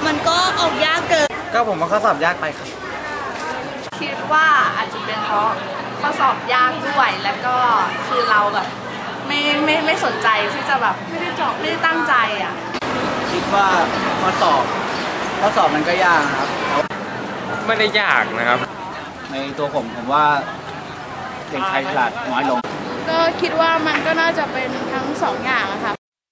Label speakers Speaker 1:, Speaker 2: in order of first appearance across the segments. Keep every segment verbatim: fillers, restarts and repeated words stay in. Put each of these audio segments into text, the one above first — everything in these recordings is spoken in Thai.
Speaker 1: มันก็ออกยากเกิน
Speaker 2: ก็ผมว่าข้อสอบยากไปครับ
Speaker 3: คิดว่าอาจจะเป็นเพราะข้อสอบยากด้วยแล้วก็คือเราแบบไม่ไม่ไม่สนใจที่จะแบบไม่ได้จอบไม่ได้ตั้งใจอ่ะ
Speaker 2: คิดว่าข้อสอบข้อสอบมันก็ยากครับ
Speaker 4: ไม่ได้ยากนะครับ
Speaker 2: ในตัวผมผมว่าเด็กไทยฉลาดน้อยลง
Speaker 3: ก็คิดว่ามันก็น่าจะเป็นทั้งสองอย่างอะค่ะ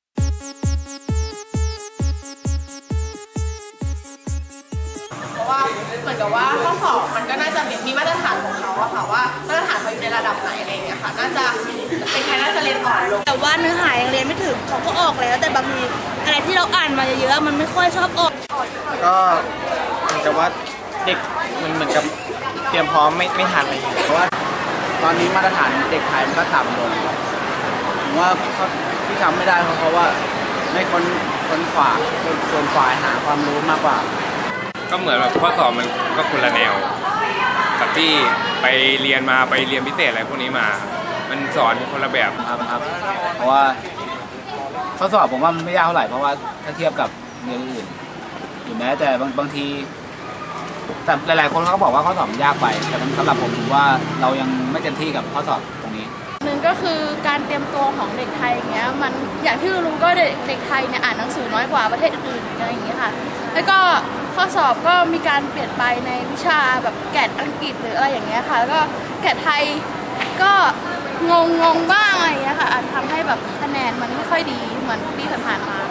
Speaker 3: เพราะว่าเหมือนกับว่าข้อสอบมันก็น่าจะมีมาตรฐานของเขาอะค่ะว่ามาตรฐานเขาอยู่ในระดับไหนอะไรอย่างเงี้ยค่ะน่าจะเป็นใครน่าจะเรียนอ่อนลง
Speaker 1: แต่ว่าเนื้อหายังเรียนไม่ถึงเขาก็ออกแล้วแต่บางทีอะไรที่เราอ่านมาเยอะๆมันไม่ค่อยชอบออก
Speaker 2: ก็เหมือนกับว่าเด็กมันเหมือนกับเตรียมพร้อมไม่ไม่ทันอะไรอย่างเงี้ยเพราะว่าตอนนี้มาตรฐานเด็กไทยมันก็ต่ำลงผมว่าที่ทำไม่ได้เพราะว่าไม่ค้นค้นขวาค้นฝ่ายหาความรู้มากกว่า
Speaker 4: ก็เหมือนแบบข้อสอบมันก็คนละแนวกับที่ไปเรียนมาไปเรียนพิเศษอะไรพวกนี้มามันสอนคนละแบบ
Speaker 2: ครับครับเพราะว่าข้อสอบผมว่ามันไม่ยากเท่าไหร่เพราะว่าถ้าเทียบกับเรียนอื่นหรือแม้แต่บางบางทีแต่หลายๆคนเขาบอกว่าข้อสอบยากไปแต่สำหรับผมผมว่าเรายังไม่เต็มที่กับข้อสอบตรงนี้
Speaker 3: หนึ่งก็คือการเตรียมตัวของเด็กไทยอย่างเงี้ยมันอย่างที่รู้ก็เด็กเด็กไทยเนี่ยอ่านหนังสือน้อยกว่าประเทศอื่นๆอะไรอย่างเงี้ยค่ะแล้วก็ข้อสอบก็มีการเปลี่ยนไปในวิชาแบบแกดอังกฤษหรืออะไรอย่างเงี้ยค่ะแล้วก็แกดไทยก็งงงงบ้างอะไรอย่างเงี้ยค่ะอาจทำให้แบบคะแนนมันไม่ค่อยดีเหมือนปีผ่านๆมา